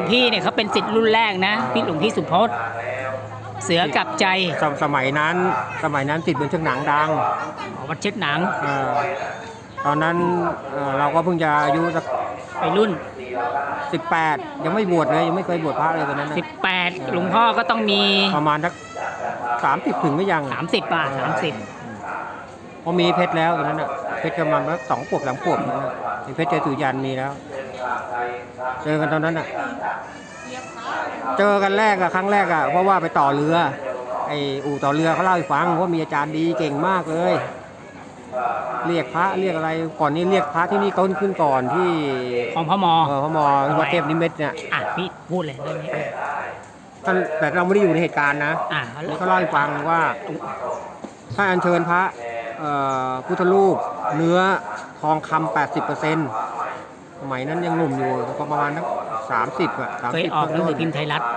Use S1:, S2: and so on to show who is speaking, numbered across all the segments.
S1: พี่เนี่ยเขาเป็นศิษย์รุ่นแรกนะพี่หลวงพี่สุพจน์เสือกับใจ
S2: สมัยนั้นติดเป็นเชือกหนังดัง
S1: วัดเช็ดหนัง
S2: ตอนนั้นเราก็เพิ่งจะอายุสัก
S1: ไปรุ่น
S2: 18ยังไม่บวชเลยยังไม่เคยบวชพระเลยตอนนั้นนะ
S1: 18หลวงพ่อก็ต้องมี
S2: ประมาณสัก30ถึงไม่ยัง
S1: 30ป่ะ30
S2: พอมีเพชรแล้วตอนนั้นน่ะเพชรประมาณสัก2 ขวบ3 ขวบนะมีเพชรเจตุยันมีแล้วเจอกันตอนนั้นน่ะเจอกันครั้งแรกเพราะว่าไปต่อเรือไอ้อู่ต่อเรือเขาเล่าให้ฟังว่ามีอาจารย์ดีเก่งมากเลยเรียกพระเรียกอะไรก่อนนี้เรียกพระที่นี่ต้นขึ้นก่อนที่
S1: ของพม
S2: วัดเทพนิมิตเนี่ย
S1: พี่พูดเลยเรื่องนี้
S2: ท่านแต่เราไม่ได้อยู่ในเหตุการณ์นะเขาเล่าให้ฟังว่าถ้าอัญเชิญพระพุทธรูปเนื้อทองคำ80%สมัยนั้นยังหนุ่มอยู่ประมาณนัก30
S1: เคยออกหนังสือพิมพ์ไทยรัฐ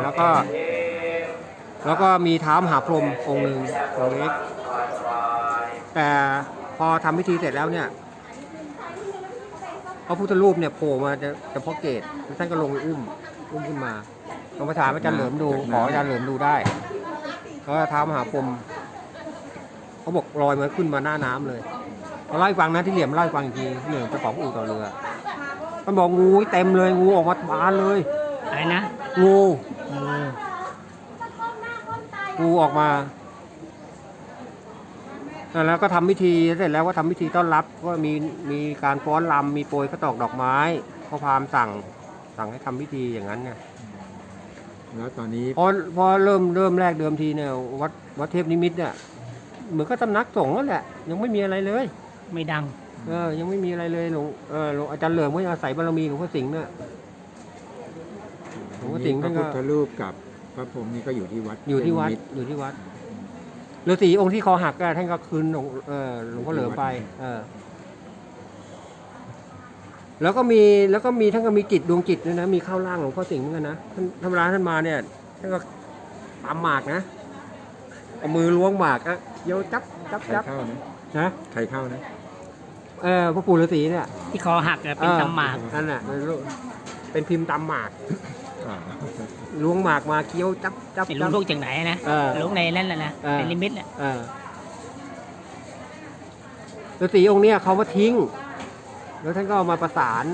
S2: แล้วก็มีเท้ามหาพรหมองค์หนึ่งองค์เล็กแต่พอทำพิธีเสร็จแล้วเนี่ยพระพุทธรูปเนี่ยโผล่มาจะพ่อเกศท่านก็ลงอุ้มขึ้นมาลองไปถามอาจารย์เหลิมดูขออาจารย์เหลิมดูได้ก็เท้ามหาพรหมเขาบอกลอยมาขึ้นมาหน้าน้ำเลยเขาเล่าให้ฟังนะที่เหลี่ยมเล่าให้ฟังอีกทีเหลี่ยมเจ้าของอู่ต่อเรือมันบอกงูเต็มเลยงูออกมาบานเลย
S1: อะไรนะ
S2: งูออกมาแล้วก็ทำพิธีเสร็จแล้วก็ทำพิธีต้อนรับก็มีการฟ้อนรำมีโปรยข้าวตอกดอกไม้พระพราหมณ์สั่งให้ทำพิธีอย่างนั้นเนี่ย
S3: แล้วตอนนี้
S2: พอเริ่มแรกเดิมทีเนี่ยวัดเทพนิมิตเนี่ยเหมือนก็สำนักสงฆ์นั่นแหละยังไม่มีอะไรเลย
S1: ไม่ดัง
S2: ยังไม่มีอะไรเลยหลวงอาจารย์เหลิมก็อาศัยบารมีหลวงพ่อสิงห์เนี่ย
S3: หลวงพ่อสิงห์พระพุทธรูปกับพระพรหมนี่ก็อยู่ที่วัด
S2: ฤาษีองค์ที่คอหักท่านก็คืนหลวงพ่อเหลิมไปแล้วก็มีท่านก็มีจิตดวงจิตด้วยนะมีเข้าร่างหลวงพ่อสิงห์เหมือนกันนะท่านธรรมดาท่านมาเนี่ยท่านก็ตามหมากนะเอามือล้วงหมากเยอะจับ
S3: เข้านะใครเข้านะ
S2: พระปู่ฤาษีเนี่ย
S1: ที่คอหักเป็นตำหมาก
S2: นั่นแหละเป็นพิมพ์ตำหมากล้วงหมากมาเคี้ยวจับ
S1: ล้วงลูกจากไหนนะล้วงในนั่นแหละนะเป็นลิมิตแหละ
S2: ฤาษีองค์เนี้ยเขามาทิ้งแล้วท่านก็เอามาประสาน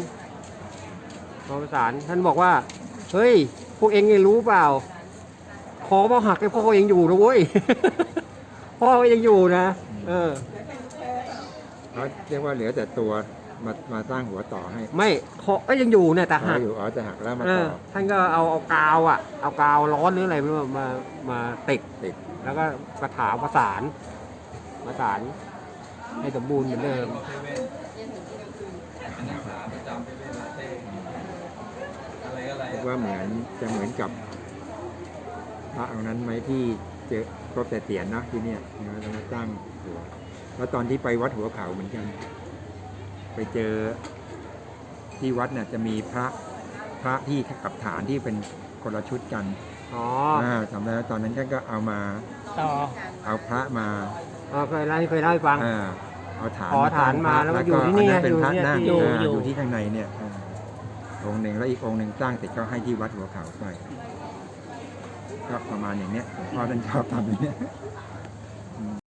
S2: ท่านบอกว่าเฮ้ยพวกเองไงรู้เปล่าคอพ่อหักไอ้พ่อเองอยู่นะเว้ยพ่อเองอยู่นะ
S3: เขาเรียกว่าเหลือแต่ตัวมาสร้างหัวต่อให้
S2: ไม่คอยังอยู่เนี่ยแต่หัก
S3: อยู่จะหักแล้วมาต่อ
S2: ท่านก็เอากาวร้อนหรืออะไรมาติดแล้วก็กระถางประสานให้สมบูรณ์เหมือนเดิม
S3: ว่าเหมือนกับพระองค์นั้นไหมที่เจอครบแต่เตียนนะที่เนี่ยแล้วมาตั้งหัวแล้วตอนที่ไปวัดหัวเขาเหมือนกันไปเจอที่วัดเนี่ยจะมีพระที่กับฐานที่เป็นคนละชุดกันจำได้ตอนนั้นท่านก็เอามาเอาพระมา
S2: เคยเล่าให้ฟัง
S3: เอา
S2: ฐานมาแล้วอยู่ที่นี่
S3: เป็นพระนั่งอยู่ที่ข้างในเนี่ยองค์หนึ่งแล้วอีกองค์หนึ่งสร้างเสร็จก็ให้ที่วัดหัวเขาไปก็ประมาณอย่างเนี้ยพ่อท่านชอบทำอย่างเนี้ย